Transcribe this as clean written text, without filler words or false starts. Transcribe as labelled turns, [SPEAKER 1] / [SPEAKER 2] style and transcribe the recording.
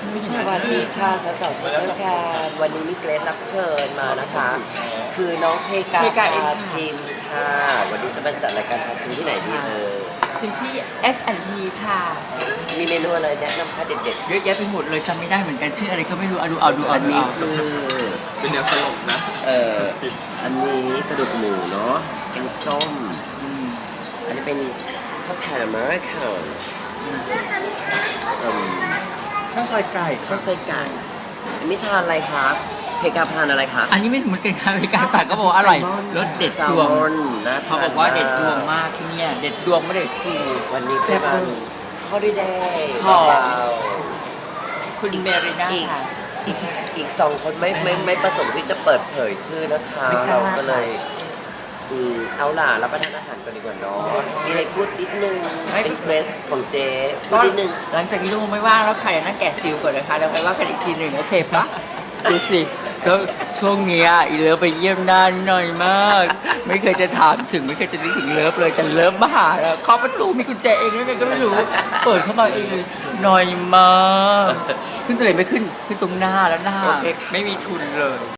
[SPEAKER 1] สวัสดีค่ะสาวๆทุกท่านค่ะวันนี้มีเกรดรับเชิญมานะคะ คือน้องเพกาพาชิมค่ะ วันนี้จะมาจัดรายการพาชิมที่ไหนดี
[SPEAKER 2] ชิมที่ S&T ค่ะ
[SPEAKER 1] มีเมนูอะไรแนะนำคะเด็ด
[SPEAKER 2] เยอะแยะไปหมดเลยจำไม่ได้เหมือนกันชื่ออะไรก็ไม่รู้ดู
[SPEAKER 1] ๆอันนี้คือ
[SPEAKER 3] เป็นแนวตลกนะ
[SPEAKER 1] อันนี้กระดูกหมูเนาะแกงส้มอันนี้เป็นข้าวผัดอเมริกัน
[SPEAKER 3] ข้าวซอยไก่
[SPEAKER 1] ข้าวซอยไก่อันนี้ทานอะไรคะเพกาทานอะไรคะ
[SPEAKER 2] อันนี้ไม่เหมือนกันค่ะมีการฝากก็บอกว่าอร่อยรสเด็ดดวง
[SPEAKER 1] นะ
[SPEAKER 2] เขาบอกว่าเด็ดดวงมากที่เนี่ยเด็ดดวงไม่เด็ดสูตร
[SPEAKER 1] วันนี้เป็นวันฮอลิเดย์
[SPEAKER 2] ของ
[SPEAKER 1] เบา
[SPEAKER 2] คุณเมริน่าค่ะ
[SPEAKER 1] ๆอีกสองคนไม่ประสงค์ที่จะเปิดเผยชื่อนะคะ
[SPEAKER 2] ไม่กล้า
[SPEAKER 1] เราก็เลยเอาล่ะรับประทานอาหารกันดีกว่าเนาะมีอะไรพูดนิดนึงเป็นเกรสของเจ๊พูดนิดนึง
[SPEAKER 2] หลังจากนี้ลูกไม่ว่างแล้วค่ะเดี๋ยวนั่งแกะซิลก่อนนะคะแล้วไปว่ากันอีกทีหนึ่งโอเคปะดูสิก็ช่วงเนี้ยอีเลิฟไปเยี่ยมนานหน่อยมาก ไม่เคยจะถามถึงไม่เคยจะนึกถึงเลิฟเลยแต่เลิฟมาหาแล้วเคาะประตูมีกุญแจเองแล้วไงก็ไม่รู้เปิดเข้ามาเองเลยหน่อยมากขึ้นตรงไหนไม่ขึ้นตรงหน้าแล้วหน้าไม่มีทุนเลย